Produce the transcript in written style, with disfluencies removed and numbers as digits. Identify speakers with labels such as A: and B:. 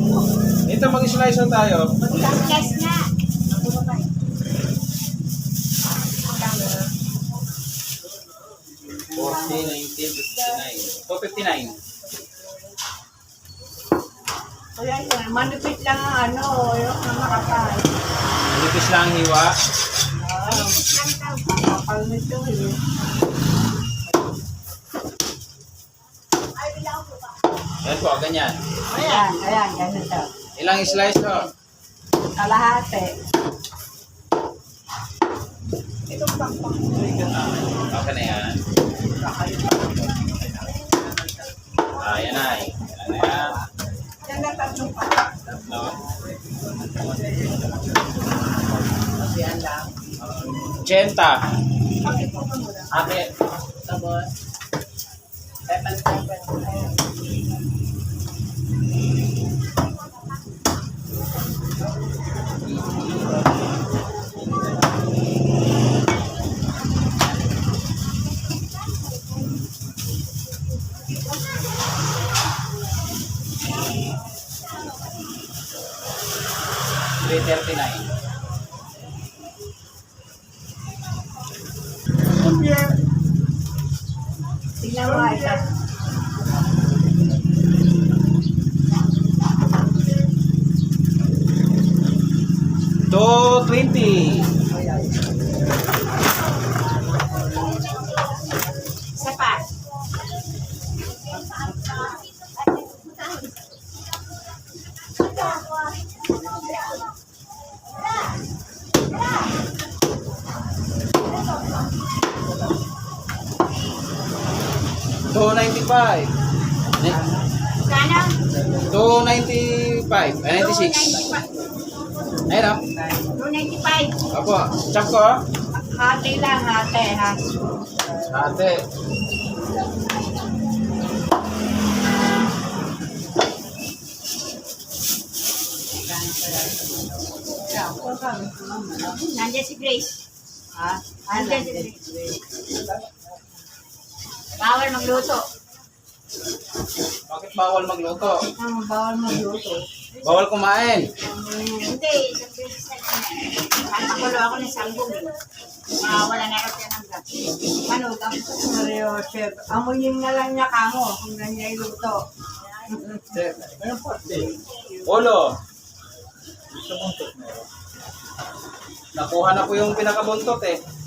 A: Ito, mag-slice na tayo.
B: Mag-slice na.
A: 40, 90, 59. 259.
B: Kaya yan, manipit lang ang ano, yung makapal.
A: Manipis lang ang hiwa.
B: Makapal nito eh.
A: Yan po, ganyan.
B: Ayan, ganito.
A: Ilang slice ho?
B: Kalahati.
A: Okay na yan. Yan na eh. Yan na yan.
B: Yan na tatlong pa.
A: Tatlo.
B: Yan lang.
A: 80.
B: Bakit po ka muna?
A: Ate.
B: Tapos, 7.
A: $339.
B: Tingnan mo ito.
A: $220.
B: Isa pa.
A: $295.
B: Sana?
A: 295. 96. Ayun o.
B: 295.
A: Opo. Chop ko o.
B: Hati lang, hati ha.
A: Ate.
B: Nandiyan si Grace. Ha? Nandiyan si Grace. Bawal magluto.
A: Bakit bawal magluto?
B: Bawal magluto.
A: Bawal kumain.
B: Hindi, isang beses na yun. Papakulo ako ng sanggol. Wala na kasi ng gas. Ano, Mario, chef. Amuyin na lang niya kamo kung ganyan iluto.
A: Polo. Nakuha na po yung pinakabuntot eh.